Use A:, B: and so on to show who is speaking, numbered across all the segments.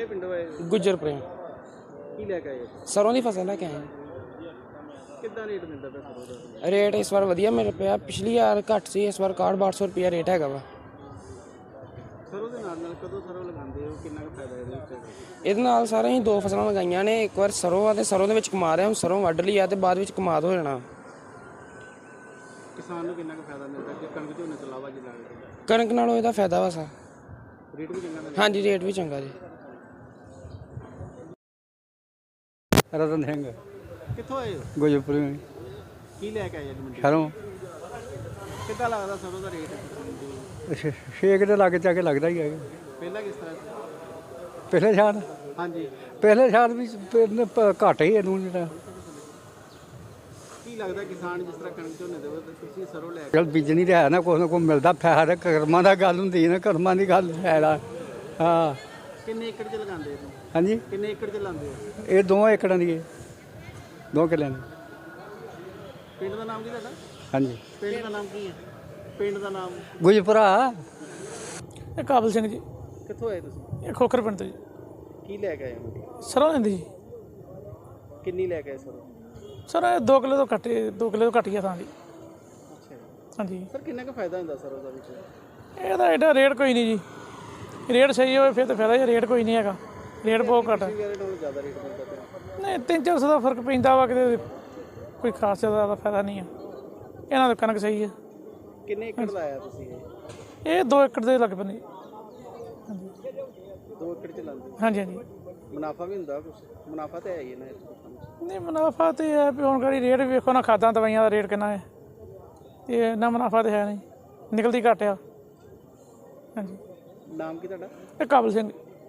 A: ਕਿਹੜੇ ਪਿੰਡੋਂ ਆਏ?
B: ਗੁੱਜਰ ਪ੍ਰੇਮ।
A: ਕੀ ਲੈ ਕੇ ਆਏ?
B: ਸਰੋਂ ਦੀ ਫਸਲ ਲੈ ਕੇ ਆਏ।
A: ਕਿੱਦਾਂ ਰੇਟ ਮਿਲਦਾ ਪਿਆ ਸਰੋਂ ਦਾ?
B: ਰੇਟ ਇਸ ਵਾਰ ਵਧੀਆ ਮਿਲ ਪਿਆ। ਪਿਛਲੀ ਵਾਰ ਘੱਟ ਸੀ, ਇਸ ਵਾਰ 61-6200 ਰੁਪਇਆ ਰੇਟ ਹੈਗਾ ਵਾ।
A: ਸਰੋਂ ਦੇ ਨਾਲ ਕਦੋਂ ਸਰੋਂ ਲਗਾਉਂਦੇ ਹੋ? ਕਿੰਨਾ ਕੁ ਫਾਇਦਾ ਇਹਦੇ ਵਿੱਚ?
B: ਇਹਦੇ ਨਾਲ ਸਾਰੇ ਅਸੀਂ 2 ਫਸਲਾਂ ਲਗਾਈਆਂ ਨੇ। ਇੱਕ ਵਾਰ ਸਰੋਂ ਆ ਤੇ ਸਰੋਂ ਦੇ ਵਿੱਚ ਕਮਾ ਰਿਹਾ, ਹੁਣ ਸਰੋਂ ਵੱਢ ਲਈ ਆ ਤੇ ਬਾਅਦ ਵਿੱਚ ਕਮਾਦ ਹੋ ਜਾਣਾ।
A: ਕਿਸਾਨ ਨੂੰ ਕਿੰਨਾ ਕੁ ਫਾਇਦਾ ਮਿਲਦਾ ਜੇ ਕਣਕ ਝੋਨੇ ਤੋਂ ਇਲਾਵਾ ਜੇ ਲੱਗਦਾ?
B: ਕਣਕ ਨਾਲੋਂ ਇਹਦਾ ਫਾਇਦਾ ਵਾ ਸਾ।
A: ਰੇਟ ਵੀ ਚੰਗਾ ਮਿਲਦਾ?
B: ਹਾਂਜੀ, ਰੇਟ ਵੀ ਚੰਗਾ ਜੀ।
C: ਰਤਨ ਸਿੰਘ
A: ਕਿੱਥੋਂ ਆਏ ਹੋ?
C: ਗੁਜਰਪੁਰ
A: ਕੀ ਲੈ ਕੇ ਆਏ ਅੱਜ ਮੰਡੀ?
C: ਸ਼ਰੋਂ
A: ਕਿੱਦਾਂ ਲੱਗਦਾ ਸਰੋਂ ਦਾ ਰੇਟ?
C: ਛੇਕ ਦੇ ਲਾਗੇ ਜਾ ਕੇ ਲੱਗਦਾ ਹੀ ਹੈ।
A: ਪਹਿਲਾਂ ਕਿਸ ਤਰ੍ਹਾਂ ਸੀ?
C: ਪਿਛਲੇ ਸਾਲ
A: ਹਾਂਜੀ।
C: ਪਿਛਲੇ ਸਾਲ ਵੀ ਘੱਟ ਹੀ ਇਹਨੂੰ ਜਿਹੜਾ
A: ਕੀ ਲੱਗਦਾ ਕਿਸਾਨ ਜਿਸ ਤਰ੍ਹਾਂ ਕਣਕ ਝੋਨੇ ਦੇ ਤੁਸੀਂ ਸਰੋਂ ਲੈ ਕੇ
C: ਚਲ ਬੀਜਣੀ ਤਾਂ ਹੈ ਨਾ, ਕੁਛ ਨਾ ਕੁਛ ਮਿਲਦਾ ਫਾਇਦਾ। ਕਰਮਾਂ ਦਾ ਗੱਲ ਹੁੰਦੀ ਨਾ, ਕਰਮਾਂ ਦੀ ਗੱਲ ਫਾਇਦਾ। ਹਾਂ।
A: ਕਿੰਨੇ ਏਕੜ 'ਚ ਲਗਾਉਂਦੇ ਹੋ?
C: ਹਾਂਜੀ,
A: ਕਿੰਨੇ ਏਕੜ 'ਚ ਲਾਉਂਦੇ ਹੋ?
C: ਇਹ 2 ਏਕੜਾਂ ਦੀ ਹੈ, 2 ਕਿੱਲਿਆਂ ਦੀ।
A: ਪਿੰਡ ਦਾ ਨਾਮ ਕੀ ਤੁਹਾਡਾ?
C: ਹਾਂਜੀ,
A: ਪਿੰਡ ਦਾ ਨਾਮ ਕੀ ਹੈ? ਪਿੰਡ ਦਾ ਨਾਮ?
C: ਗੁਜਰਪੁਰਾ।
D: ਇਹ ਕਾਬਲ ਸਿੰਘ ਜੀ।
A: ਕਿੱਥੋਂ ਆਏ ਤੁਸੀਂ?
D: ਇਹ ਖੋਖਰ ਪਿੰਡ ਤੋਂ ਜੀ।
A: ਕੀ ਲੈ ਕੇ ਆਏ ਹੋ?
D: ਸਰੋਂ ਲੈਂਦੀ ਜੀ।
A: ਕਿੰਨੀ ਲੈ ਕੇ ਆਏ ਸਰੋਂ?
D: ਸਰ ਇਹ 2 ਕਿਲੋ ਤੋਂ ਘੱਟ, 2 ਕਿਲੋ ਤੋਂ ਘੱਟ ਹੀ ਆ ਥਾਂ ਦੀ।
A: ਅੱਛਾ ਜੀ।
D: ਹਾਂਜੀ।
A: ਸਰ ਕਿੰਨਾ ਕੁ ਫਾਇਦਾ ਹੁੰਦਾ ਸਰੋਂ ਦਾ ਵਿੱਚ?
D: ਇਹਦਾ ਐਡਾ ਰੇਟ ਕੋਈ ਨਹੀਂ ਜੀ। ਰੇਟ ਸਹੀ ਹੋਵੇ ਫਿਰ ਤਾਂ ਫਾਇਦਾ ਜੀ, ਰੇਟ ਕੋਈ ਨਹੀਂ ਹੈਗਾ। ਰੇਟ ਬਹੁਤ ਘੱਟ ਹੈ।
A: ਪਿਛਲੇ ਨਾਲੋਂ ਜ਼ਿਆਦਾ ਰੇਟ ਮਿਲਦਾ ਪਿਆ?
D: ਨਹੀਂ, 300-400 ਦਾ ਫਰਕ ਪੈਂਦਾ ਵਾ, ਕਿਤੇ ਕੋਈ ਖਾਸ ਜ਼ਿਆਦਾ ਫਾਇਦਾ ਨਹੀਂ ਆ। ਇਹਨਾਂ ਦਾ ਕਣਕ ਸਹੀ ਹੈ।
A: ਕਿੰਨੇ ਏਕੜ ਲਾਇਆ ਤੁਸੀਂ ਇਹ?
D: ਇਹ 2 ਏਕੜ ਦੇ ਲੱਗ ਪੈਂਦੇ। ਹਾਂਜੀ।
A: 2 ਏਕੜ 'ਚ ਲਾਉਂਦੇ?
D: ਹਾਂਜੀ ਹਾਂਜੀ।
A: ਮੁਨਾਫਾ ਵੀ ਹੁੰਦਾ ਕੁਛ? ਮੁਨਾਫਾ ਤਾਂ ਹੈ ਹੀ ਹੈ ਨਾ ਇਸ ਤੋਂ?
D: ਨਹੀਂ, ਮੁਨਾਫਾ ਤਾਂ ਹੈ ਵੀ ਹੁਣ ਗਾੜੀ ਰੇਟ ਵੀ ਵੇਖੋ ਨਾ, ਖਾਦਾਂ ਦਵਾਈਆਂ ਦਾ ਰੇਟ ਕਿੰਨਾ ਹੈ ਤੇ ਇੰਨਾ ਮੁਨਾਫਾ ਤਾਂ ਹੈ ਨਹੀਂ, ਨਿਕਲਦੀ ਘੱਟ ਆ। ਹਾਂਜੀ।
A: ਨਾਮ ਕੀ ਤੁਹਾਡਾ?
D: ਇਹ ਕਾਬਲ ਸਿੰਘ।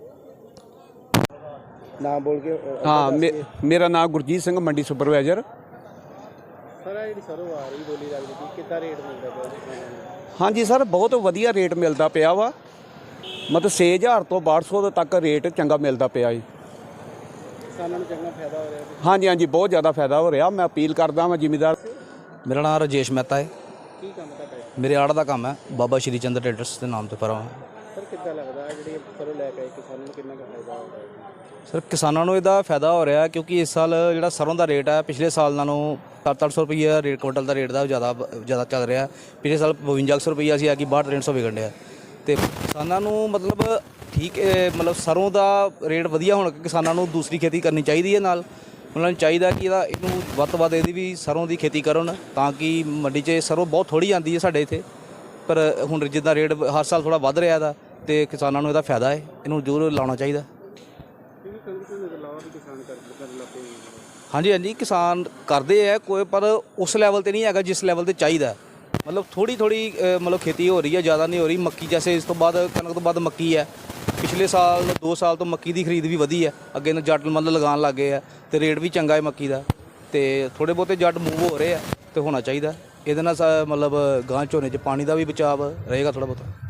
A: ਨਾਮ ਬੋਲ ਕੇ।
E: हाँ मेरा नाम गुरजीत सिंह मंडी सुपरवाइजर।
A: ਸਰ ਇਹ ਜਿਹੜੀ ਸਰੋਂ ਆ ਰਹੀ ਬੋਲੀ ਲੱਗਦੀ ਕੀ ਕਿੱਦਾਂ ਰੇਟ ਮਿਲਦਾ ਪਿਆ?
E: हाँ जी सर, बहुत वधिया रेट मिलता पिया वा। मतलब 6000 ਤੋਂ 6200 तक रेट चंगा मिलता पिया जी।
A: ਕਿਸਾਨਾਂ ਨੂੰ ਚੰਗਾ ਫਾਇਦਾ ਹੋ ਰਿਹਾ?
E: हाँ जी, हाँ जी, बहुत ज़्यादा फायदा हो रहा। मैं अपील करदा मैं जिमीदार।
F: ਮੇਰਾ ਨਾਮ ਰਾਜੇਸ਼ ਮਹਿਤਾ ਹੈ।
A: ਕੀ ਕੰਮ ਤੁਹਾਡਾ?
F: ਮੇਰੇ ਆੜ ਦਾ ਕੰਮ ਹੈ, ਬਾਬਾ ਸ਼੍ਰੀ ਚੰਦਰ ਟ੍ਰੇਡਰਸ ਦੇ ਨਾਮ ਤੇ ਫਰਮ ਹੈ।
A: ਸਰ ਕਿੱਦਾਂ ਲੱਗਦਾ ਜਿਹੜੀ ਸਰੋਂ ਲੈ ਕੇ ਆਏ ਕਿਸਾਨਾਂ ਨੂੰ ਕਿੰਨਾ ਕੁ ਫਾਇਦਾ ਹੋ ਰਿਹਾ?
F: ਸਰ ਕਿਸਾਨਾਂ ਨੂੰ ਇਹਦਾ ਫਾਇਦਾ ਹੋ ਰਿਹਾ ਕਿਉਂਕਿ ਇਸ ਸਾਲ ਜਿਹੜਾ ਸਰੋਂ ਦਾ ਰੇਟ ਹੈ ਪਿਛਲੇ ਸਾਲ ਨਾਲੋਂ 700-800 ਰੁਪਈਆ ਰੇਟ ਕੁਇੰਟਲ ਦਾ ਰੇਟ ਦਾ ਜ਼ਿਆਦਾ ਚੱਲ ਰਿਹਾ। ਪਿਛਲੇ ਸਾਲ 5200 ਰੁਪਈਆ ਸੀ, ਆ ਕਿ 62-6300 ਵਿਕਣ ਡਿਆ। ਤੇ ਕਿਸਾਨਾਂ ਨੂੰ ਮਤਲਬ ਠੀਕ ਮਤਲਬ ਸਰੋਂ ਦਾ ਰੇਟ ਵਧੀਆ ਹੋਣ ਕਰਕੇ ਕਿਸਾਨਾਂ ਨੂੰ ਦੂਸਰੀ ਖੇਤੀ ਕਰਨੀ ਚਾਹੀਦੀ ਹੈ। ਨਾਲ ਉਹਨਾਂ ਨੂੰ ਚਾਹੀਦਾ ਕਿ ਇਹਨੂੰ ਵੱਧ ਤੋਂ ਵੱਧ ਇਹਦੀ ਵੀ ਸਰੋਂ ਦੀ ਖੇਤੀ ਕਰਨ, ਤਾਂ ਕਿ ਮੰਡੀ 'ਚ ਸਰੋਂ ਬਹੁਤ ਥੋੜ੍ਹੀ ਆਉਂਦੀ ਹੈ ਸਾਡੇ ਇੱਥੇ। ਪਰ ਹੁਣ ਜਿੱਦਾਂ ਰੇਟ ਹਰ ਸਾਲ ਥੋੜ੍ਹਾ ਵੱਧ ਰਿਹਾ ਦਾ ਤੇ ਕਿਸਾਨਾਂ ਨੂੰ ਇਹਦਾ ਫਾਇਦਾ ਹੈ, ਇਹਨੂੰ ਜ਼ਰੂਰ ਲਾਉਣਾ ਚਾਹੀਦਾ। ਹਾਂਜੀ ਹਾਂਜੀ, ਕਿਸਾਨ ਕਰਦੇ ਹੈ ਕੋਈ, ਪਰ ਉਸ ਲੈਵਲ ਤੇ ਨਹੀਂ ਹੈਗਾ ਜਿਸ ਲੈਵਲ ਤੇ ਚਾਹੀਦਾ। ਮਤਲਬ ਥੋੜ੍ਹੀ ਮਤਲਬ ਖੇਤੀ ਹੋ ਰਹੀ ਹੈ, ਜ਼ਿਆਦਾ ਨਹੀਂ ਹੋ ਰਹੀ। ਮੱਕੀ ਜੈਸੇ ਇਸ ਤੋਂ ਬਾਅਦ ਕਣਕ ਤੋਂ ਬਾਅਦ ਮੱਕੀ ਹੈ। ਪਿਛਲੇ ਸਾਲ 2 ਸਾਲ ਤੋਂ ਮੱਕੀ ਦੀ ਖਰੀਦ ਵੀ ਵਧੀ ਹੈ। ਅੱਗੇ ਨੂੰ ਜੱਟ ਮਤਲਬ ਲਗਾਉਣ ਲੱਗ ਗਏ ਆ ਤੇ ਰੇਟ ਵੀ ਚੰਗਾ ਹੈ ਮੱਕੀ ਦਾ। ਤੇ ਥੋੜ੍ਹੇ ਬਹੁਤੇ ਜੱਟ ਮੂਵ ਹੋ ਰਹੇ ਆ ਤੇ ਹੋਣਾ ਚਾਹੀਦਾ। ਇਹਦੇ ਨਾਲ ਮਤਲਬ ਗਾਂ ਝੋਨੇ 'ਚ ਪਾਣੀ ਦਾ ਵੀ ਬਚਾਅ ਰਹੇਗਾ ਥੋੜ੍ਹਾ ਬਹੁਤਾ।